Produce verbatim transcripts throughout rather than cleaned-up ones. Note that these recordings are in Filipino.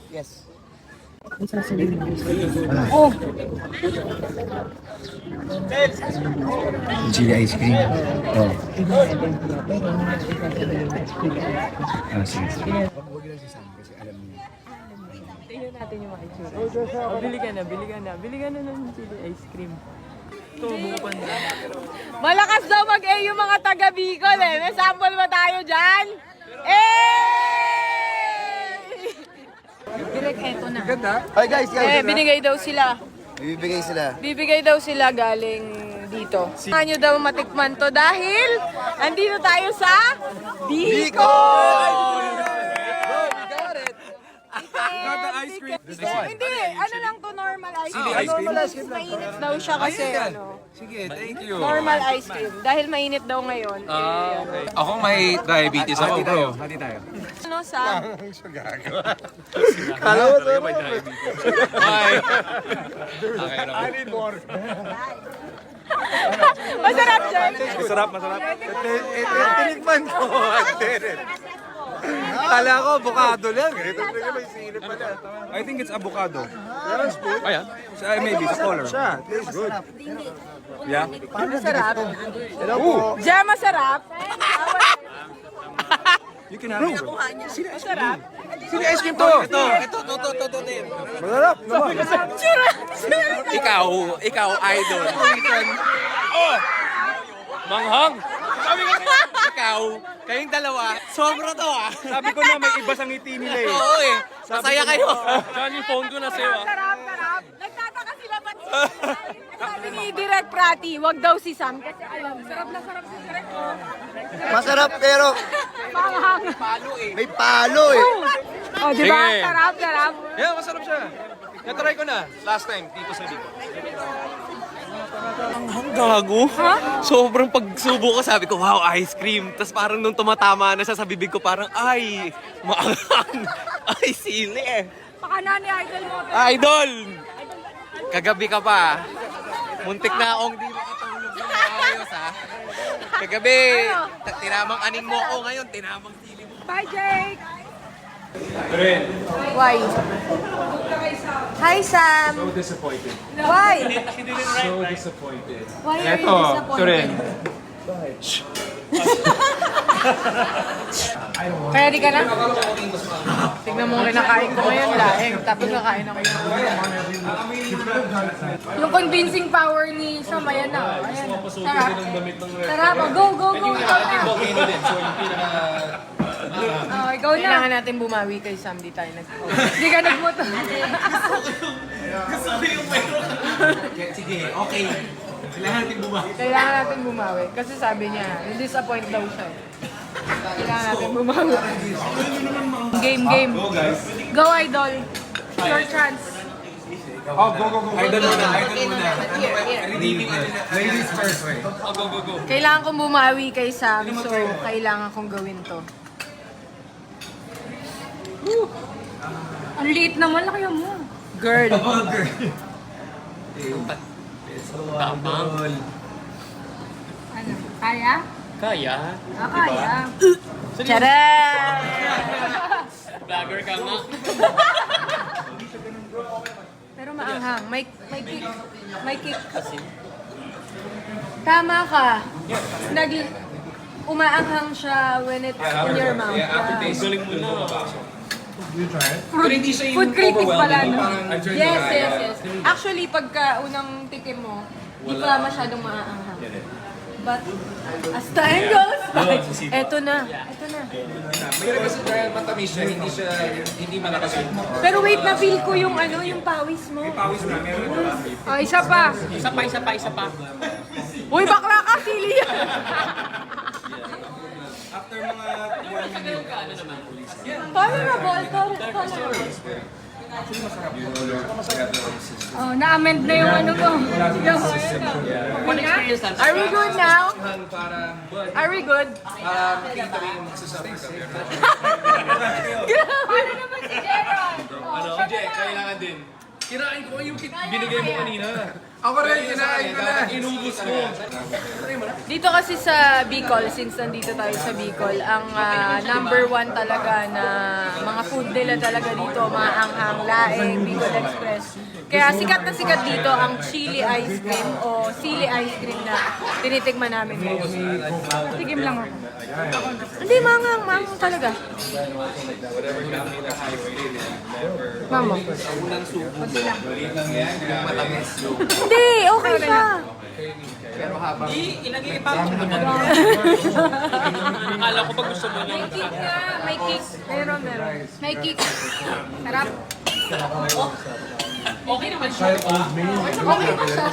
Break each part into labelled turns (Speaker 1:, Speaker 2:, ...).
Speaker 1: Yes.
Speaker 2: Oh!
Speaker 3: Chili ice cream. Oh. Ah, sige. Huwag lang si Sam kasi alam niya.
Speaker 2: Tingnan natin yung mga itsura. Oh, bili ka na, bili ka na. Bili ka na ng chili ice cream. Ito, bukan na. Malakas daw mag-A yung mga taga Bicol eh. May sample ba tayo dyan? Eh! Direk, eto na.
Speaker 1: Hi guys, guys.
Speaker 2: Eh, binigay daw sila.
Speaker 1: Bibigay sila.
Speaker 2: Bibigay daw sila galing dito. Saan nyo daw matikman to dahil andito tayo sa Bicol!
Speaker 4: Not the ice cream.
Speaker 2: Hindi, ano lang to, normal ice cream.
Speaker 4: ice cream?
Speaker 2: Normal ice cream. Mainit daw siya kasi ano.
Speaker 4: Sige, thank you.
Speaker 2: Normal ice cream. Dahil mainit daw ngayon.
Speaker 4: Ah,
Speaker 2: eh,
Speaker 4: okay. Ako may diabetes ako, bro.
Speaker 3: Hati tayo.
Speaker 2: ano sa...
Speaker 1: Kala mo to.
Speaker 4: Bye. Okay lang.
Speaker 3: I need more.
Speaker 2: Masarap dyan.
Speaker 4: Masarap, masarap.
Speaker 1: Tinikman ko. Kala ko, avocado lang. Ito talaga may silip pala.
Speaker 4: I think it's avocado. Ayan. So, uh, maybe, sa color.
Speaker 1: Siya, tastes good.
Speaker 4: Yeah?
Speaker 2: Masarap.
Speaker 1: Hello po.
Speaker 2: Diyan masarap.
Speaker 4: You can have it.
Speaker 2: Masarap.
Speaker 1: Sino ice cream to? Ito, ito, ito, ito, ito, ito. Masarap naman.
Speaker 2: Tsura.
Speaker 4: Ikaw, ikaw, idol. Oh! Manghang! Sabi ko ikaw, kayong dalawa, sobra to ah. Sabi ko na may iba sa ngiti nila eh. Oo eh, masaya kayo. Diyan yung phone ko na sa'yo ah.
Speaker 2: Sarap, sarap. Nagtataka sila ba't sabi ni Direk Prati, wag daw si Sam kasi alam, sarap na sarap si Direk. Oh.
Speaker 1: Masarap pero
Speaker 2: Panghang.
Speaker 1: may palo eh.
Speaker 2: Oh, di ba?
Speaker 4: Sige.
Speaker 2: Sarap, sarap.
Speaker 4: Yeah, masarap siya. Natry ko na last time dito sa dito. Ang gago.
Speaker 2: Ha?
Speaker 5: Sobrang pagsubo ko, sabi ko, wow, ice cream. Tapos parang nung tumatama na siya sa bibig ko, parang, ay, maangang. Ay, sili eh.
Speaker 2: Baka na ni Idol mo.
Speaker 5: Idol! Kagabi ka pa. Muntik na akong di makatulog ng maayos, ha? Kagabi, ta- tinamang aning mo ako ngayon, tinamang sili mo.
Speaker 2: Bye, Jake! Why? Hi, Sam!
Speaker 4: So disappointed.
Speaker 2: Why?
Speaker 4: So disappointed.
Speaker 2: Why are you
Speaker 4: Eto,
Speaker 2: disappointed?
Speaker 4: Turin.
Speaker 2: Ready ka na? Tignan mo kinakain ko ngayon, laeng. Tapos kakain ako yung Yung convincing power ni Sam, ayan na. Ayan. Sarap. Sarap. Go, go, go. Oh, ikaw na. Kailangan natin bumawi kay Sam, di tayo nag Hindi ka nagmoto.
Speaker 5: Sige, okay. Kailangan natin bumawi.
Speaker 2: Kailangan natin bumawi. Kasi sabi niya, disappoint daw siya. Kailangan natin bumawi. Game, game.
Speaker 4: Go guys.
Speaker 2: Go, Idol. Your chance.
Speaker 4: Oh, go, go, go. Idol muna, idol muna.
Speaker 2: Here, here.
Speaker 4: Ladies first.
Speaker 5: Oh, go, go, go.
Speaker 2: Kailangan kong bumawi kay Sam, so kailangan kong gawin to. Ang liit naman, laki mo. Girl.
Speaker 5: Tapang.
Speaker 2: Ano? Kaya?
Speaker 5: Kaya.
Speaker 2: Ah, kaya. Charan!
Speaker 5: Vlogger ka nga.
Speaker 2: Pero maanghang. May, may kick. May kick. Tama ka. Nag umaanghang siya when it's in your mouth. Yeah.
Speaker 4: Galing mo na.
Speaker 2: Fruit, food critic pala, no? Yes, yes, yes. Actually, pagka unang tikim mo, di pa masyadong maaanghang. But, as time goes by, eto na. Eto na.
Speaker 4: Pero kasi dahil matamis siya, hindi siya, hindi malakas yung
Speaker 2: Pero wait, na-feel ko yung ano, yung pawis mo.
Speaker 4: pawis na meron na.
Speaker 2: Oh, isa pa.
Speaker 5: Isa pa, isa pa, isa pa.
Speaker 2: Uy, bakla ka, sili yan.
Speaker 4: After mga one minute.
Speaker 2: Tolerable, tolerable. Oh, na-amend na yung ano mo. Yung ano na. Are we good now? Are we good?
Speaker 4: Para makita rin yung magsasabi ka.
Speaker 2: Ano naman si Jeron?
Speaker 5: Ano, Jay, kailangan din. Kirain ko yung binigay mo kanina.
Speaker 4: Ako rin, kinain ko na.
Speaker 5: Inubos mo.
Speaker 2: Dito kasi sa Bicol, since nandito tayo sa Bicol, ang ah, number one talaga na mga food food nila talaga dito, maanghang, laing, Bicol Express. Kaya sikat na sikat dito ang chili ice cream o sili ice cream na tinitikman namin ngayon. Tikim lang ako. Hindi, maanghang, maanghang talaga. Mamo. Hindi, okay siya.
Speaker 4: Akala ko pag gusto mo
Speaker 2: May kick nga, may kick. Meron, meron. May kick. Sarap.
Speaker 4: Okay naman siya, di ba?
Speaker 2: Okay pa siya.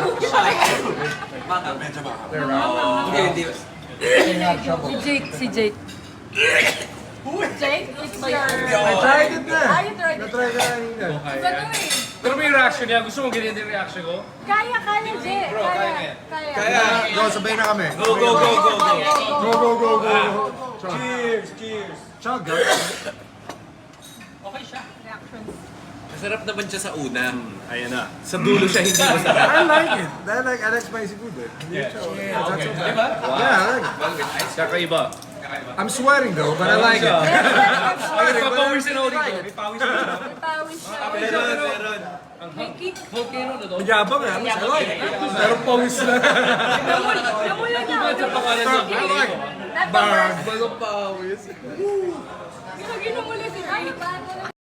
Speaker 2: Si Jake, si Jake. Jake, it's your...
Speaker 3: I tried it na.
Speaker 2: Ah, you tried it.
Speaker 3: Na-try ka kanina.
Speaker 2: Gagawin.
Speaker 4: Pero may reaction niya. Gusto mo ganyan din reaction ko?
Speaker 2: Kaya, kaya, Jake. Kaya, kaya.
Speaker 5: Kaya,
Speaker 3: Go, sabay na kami.
Speaker 5: go, go, go, go, go.
Speaker 3: Go, go, go, go. Cheers, cheers. Chug, guys.
Speaker 4: Okay siya.
Speaker 5: Masarap naman siya sa una.
Speaker 4: Ayan na.
Speaker 5: Sa dulo siya hindi masarap.
Speaker 3: I like it. I like, I like spicy food. Eh. Yeah. That's not so bad.
Speaker 4: Diba?
Speaker 3: Yeah, I like it.
Speaker 4: Kakaiba.
Speaker 3: I'm sweating though, but I like it.
Speaker 4: Papawisin ako dito. May pawis na.
Speaker 2: May pawis siya. May kick.
Speaker 4: Volcano na doon.
Speaker 3: Yabang nga, mas I like it. Pero pawis na.
Speaker 2: Namula namula na.
Speaker 4: Sa pangalan niya.
Speaker 3: I like it.
Speaker 2: Not the worst.
Speaker 3: Bago pawis.
Speaker 2: Ginamula si Jake.